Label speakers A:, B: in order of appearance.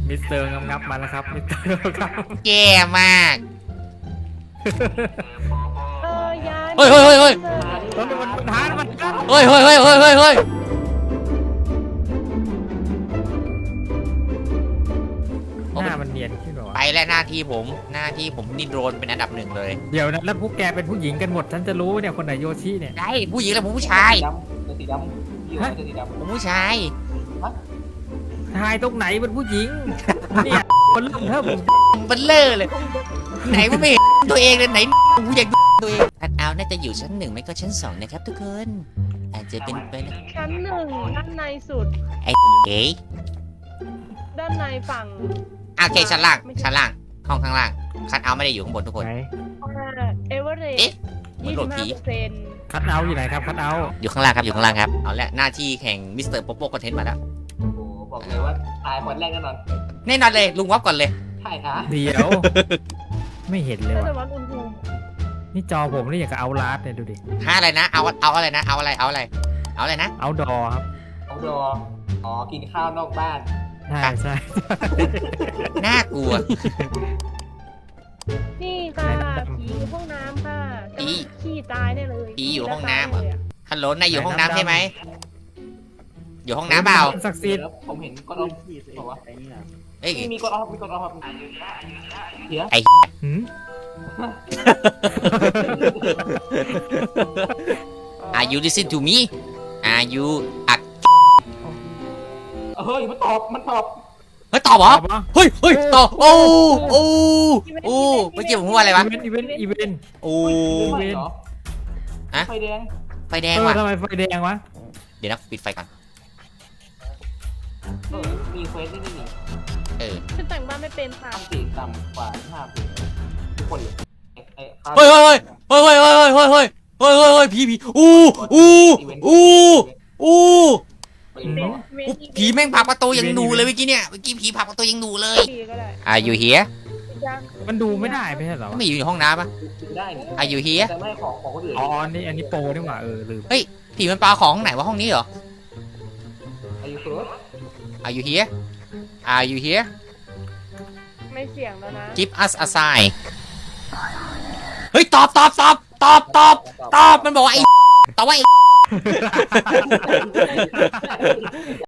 A: มิสเตอร์งับมาแล้วครับมิสเตอร์ครับ
B: แย่มาก
C: ยาย
B: เฮ้ยเฮ้ยเฮ้ยเฮ้ย
A: มันท้ามันท้า
B: เฮ้ยเฮ้ยเฮ้ยเฮ้ยเฮ้ยเฮ้ย
A: หน้ามันเนียนขึ้นหรอ
B: ไปแล้วหน้าที่ผมนี่โดรนเป็นอันดับหนึ่งเลย
A: เดี๋ยวนะแล้วพวกแกเป็นผู้หญิงกันหมดฉันจะรู้เนี่ยคนไหนโยชิเนี่ย
B: ได้ผู้หญิงแล้วผมผู้ชาย
D: ตัวสีดำพี่ว่าตัวสีดำ
B: ผมผู้ชาย
A: ชายตรงไหนเป็นผู้หญิงเนี่ยมันเริ่มเทิม
B: มันเลอะเลย ไหนว่าไม่เห็นตัวเองเลยไหนกูอยากดูตัวเองอันเอาน่าจะอยู่ชั้น 1ไม่ก็ชั้น 2นะครับทุกคนอาจจะเป็นไปนะ
C: ชั้น 1ด้านในสุด
B: เอ๊ะ
C: ด้านในฝั่ง
B: โอเคชั้นล่างห้องข้างล่างคัดเอาไม่ได้อยู่ข้างบนทุกคน
A: ไหน
C: เอเวอเรส
B: เอ๊ะเหมือนโหลดผี
A: คัดเอาท์อยู่ไหนครับคัดเอาท์
B: อยู่ข้างล่างครับเอาละหน้าที่แข่งมิสเตอร์โปโป้คอนเทนต์มาแล้ว
D: โอ้โหบอกเลยว่าตายคนแรกแน่นอน
B: แน่นอนเลยลุงวับก่อนเลย
D: ใช่ค่ะ
A: เดี๋ยว ไม่เห็นเลย
C: น่าจะ
A: ว่ะ
C: วัดอุณหภูมิ
A: นี่จอผมนี่อย่างกับเอาลาสเนี่ยดูดิ
B: หาอะไรนะเอาอะไรนะเอาอะไรนะ
A: เอาดอครับ
D: น้องดออ๋อกินข้าวนอกบ้าน
A: ใช่ใช่
B: น่ากลัว
C: นี่ค่ะผีอยู่ห้องน้ำค่ะ
B: ผี
C: ขี้ตายได้เลย
B: ผีอยู่ห้องน้ำเหรอ ฮัลโหลนายอยู่ห้องน้ำใช่ไหมอยู่ห้องน้ำเปล่า
A: ศักดิ์สิทธิ์
D: แล้วผมเห็นก้อนออฟบอกว่า
B: เอ้ย
D: มีก้อนออฟเฮีย
A: หืม
B: Are you listen to me Are you อ่ะ
D: เฮ้ยมันตอบ
B: เฮ้ยตอบเหรอ
A: ปะ
B: เฮ้ยตอบโอ้เมื่อกี้ผมพูดว่าอะไรวะ
A: อีเวนต์
B: โอ้
D: ไม่เหรอ
B: ฮะ
D: ไฟแดง
B: ไฟแดงว่ะ
A: ทำไมไฟแดงวะ
B: เดี๋ยวนะปิดไฟก่อน
D: มีเควสนี่นี่
B: เออ
C: ฉันแต่งบ้านไม่เป็นค่ะ
D: ต่ำสี่ต่ำกว่า5ปีทุกคนเลย
B: เฮ้ยผีผีแม่งผลักประตูยังหนูเลยเมื่อกี้ผีผลักประตูยังหนูเลย
C: ดีก็ได้
B: Are you here
A: มันดูไม่ได้ไม่ใช่เหรอ
B: ไม่อยู่ในห้องน้ำปะ
D: ได้นี่
B: Are you here
D: แต่ไม่ของคนอื่น
A: อ๋ออันนี้โปรนี่หว่าลืม
B: ผีมันปลาของไหนวะห้องนี้เหรอ
D: อายุเฟิร์ส
B: Are you here Are you here
C: ไม่เสี่ยงแล้วนะ
B: Give us a sign เฮ้ยตอบมันบอกว่าไอ้ตอบว่าไอ้